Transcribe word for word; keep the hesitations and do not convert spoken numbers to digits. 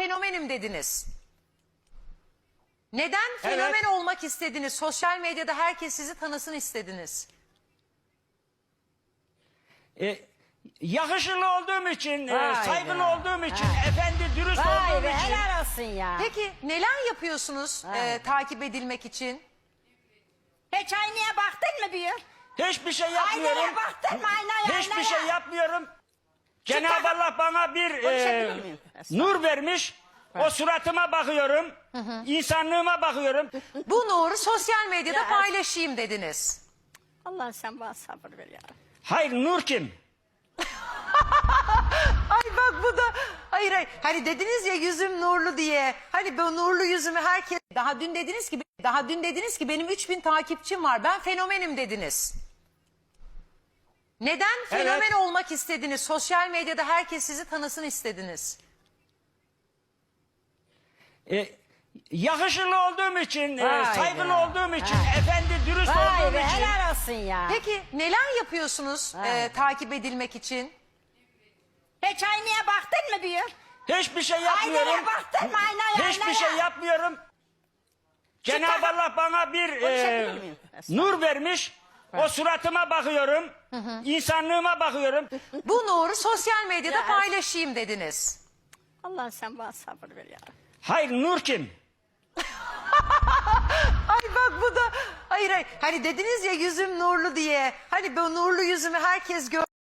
fenomenim dediniz. Neden fenomen Evet. olmak istediniz? Sosyal medyada herkes sizi tanısın istediniz. E, yakışıklı olduğum için, e, Vay saygılı be. olduğum için, efendi dürüst Vay olduğum be için. helal olsun ya. Peki neler yapıyorsunuz Vay e, takip edilmek için? Hiç aynaya baktın mı bir? Hiçbir şey yapmıyorum. Aynaya baktın mı aynaya? Hiçbir aynaya? şey yapmıyorum. Cenab-ı Allah bana bir e, Konuşabilir miyim? nur vermiş. O suratıma bakıyorum. İnsanlığıma bakıyorum. Bu nuru sosyal medyada Ya. paylaşayım dediniz. Allah sen bana sabır ver ya. Hayır, nur kim? Ay bak bu da hayır hayır hani dediniz ya yüzüm nurlu diye. Hani bu nurlu yüzümü herkes daha dün dediniz ki daha dün dediniz ki benim üç bin takipçim var. Ben fenomenim dediniz. Neden fenomen Evet. olmak istediniz? Sosyal medyada herkes sizi tanısın istediniz. E, yakışıklı olduğum için, e, Vay saygılı be. olduğum için, Ha. efendi dürüst Vay olduğum be için. helal olsun ya. Peki neler yapıyorsunuz Vay. e, takip edilmek için? Hiç aynaya baktın mı bir? Hiçbir şey yapmıyorum. Aynaya baktın mı aynaya? Hiçbir aynaya? şey yapmıyorum. Cenab-ı Allah bana bir e, Konuşabilir miyim? nur vermiş. O suratıma bakıyorum. İnsanlığıma bakıyorum. Bu nuru sosyal medyada Ya. paylaşayım dediniz. Allah sen bana sabır ver ya. Hayır, nur kim? Ay bak bu da hayır hayır hani dediniz ya yüzüm nurlu diye. Hani bu nurlu yüzümü herkes gör.